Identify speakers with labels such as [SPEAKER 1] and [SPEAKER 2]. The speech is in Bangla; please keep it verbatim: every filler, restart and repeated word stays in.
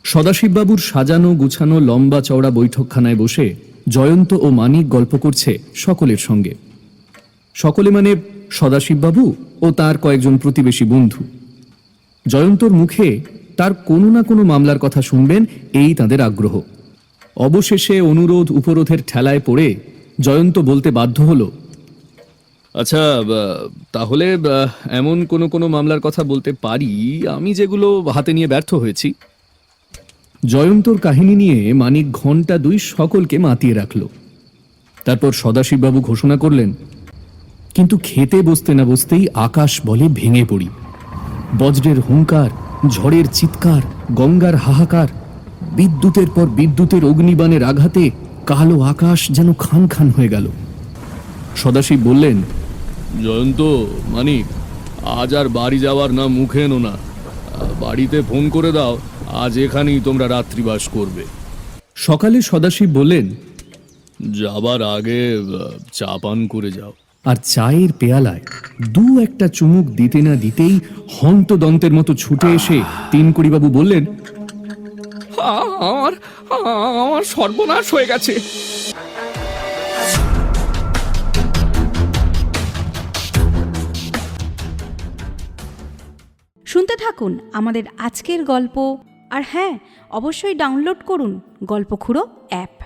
[SPEAKER 1] সদাশিববাবুর সাজানো গুছানো লম্বা চওড়া বৈঠকখানায় বসে জয়ন্ত ও মানিক গল্প করছে সকলের সঙ্গে। সকলে মানে সদাশিববাবু ও তার কয়েকজন প্রতিবেশী বন্ধু। জয়ন্তর মুখে তার কোনো না কোনো মামলার কথা শুনবেন এই তাদের আগ্রহ। অবশেষে অনুরোধ উপরোধের ঠেলায় পড়ে জয়ন্ত বলতে বাধ্য হলো, আচ্ছা তাহলে এমন কোনো কোনো মামলার কথা বলতে পারি আমি যেগুলো হাতে নিয়ে ব্যর্থ হয়েছি। জয়ন্তর কাহিনী নিয়ে মানিক ঘন্টা দুই সকলকে মাতিয়ে রাখল। তারপর সদাশিববাবু ঘোষণা করলেন, কিন্তু খেতে বসতে না বসতেই আকাশ বলে ভেঙে পড়ি। বজ্রের হুঙ্কার, ঝড়ের চিৎকার, গঙ্গার হাহাকার, বিদ্যুতের পর বিদ্যুতের অগ্নিবাণের আঘাতে কালো আকাশ যেন খান খান হয়ে গেল। সদাশিব বললেন, জয়ন্ত, মানিক, আজ আর বাড়ি যাওয়ার না মুখে এনো না, বাড়িতে ফোন করে দাও, আজ এখানেই তোমরা রাত্রিবাস করবে। সকালে সদাশিব বললেন, যাবার আগে চা পান করে যাও। আর চায়ের পেয়ালায় দু একটা চুমুক দিতে না দিতেই হন্তদন্তের মতো ছুটে এসে তিনকড়িবাবু বললেন,
[SPEAKER 2] আমার আমার সর্বনাশ হয়ে গেছে।
[SPEAKER 3] শুনতে থাকুন আমাদের আজকের গল্প। আর হ্যাঁ, অবশ্যই ডাউনলোড করুন গল্পখুড়ো অ্যাপ।